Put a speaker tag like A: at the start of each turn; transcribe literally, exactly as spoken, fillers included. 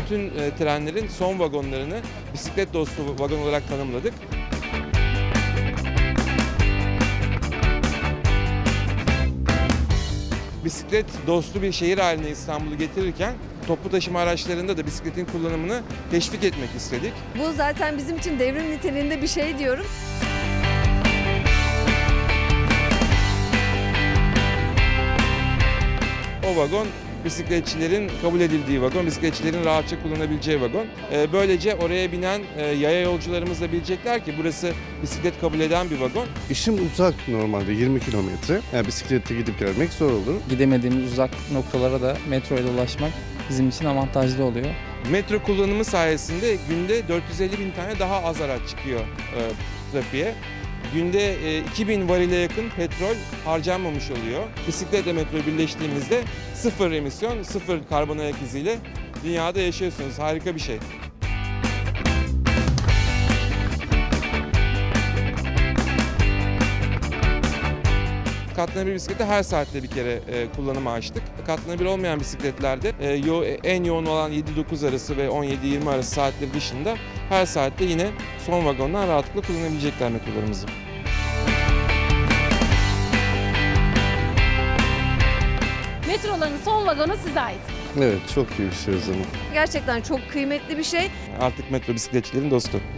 A: bütün e, trenlerin son vagonlarını bisiklet dostu vagon olarak tanımladık. Bisiklet dostu bir şehir haline İstanbul'u getirirken toplu taşıma araçlarında da bisikletin kullanımını teşvik etmek istedik.
B: Bu zaten bizim için devrim niteliğinde bir şey diyorum.
A: O vagon bisikletçilerin kabul edildiği vagon, bisikletçilerin rahatça kullanabileceği vagon. Ee, Böylece oraya binen e, yaya yolcularımız da bilecekler ki burası bisiklet kabul eden bir vagon.
C: İşim uzak normalde yirmi kilometre. Yani bisiklette gidip gelmek zor olur.
D: Gidemediğimiz uzak noktalara da metro ile ulaşmak bizim için avantajlı oluyor.
A: Metro kullanımı sayesinde günde dört yüz elli bin tane daha az araç çıkıyor e, trafiğe. Günde e, iki bin varile yakın petrol harcanmamış oluyor. Bisikletle metro birleştiğimizde sıfır emisyon, sıfır karbon ayak iziyle dünyada yaşıyorsunuz. Harika bir şey. Katlanabilir bisikleti her saatte bir kere e, kullanıma açtık. Katlanabilir olmayan bisikletlerde e, yo, en yoğun olan yedi dokuz arası ve on yedi yirmi arası saatleri dışında her saatte yine son vagondan rahatlıkla kullanabilecekler metrolarımızı.
E: Metroların son vagonu size ait.
C: Evet, çok iyi bir şey o zaman.
B: Gerçekten çok kıymetli bir şey.
A: Artık metro bisikletçilerin dostu.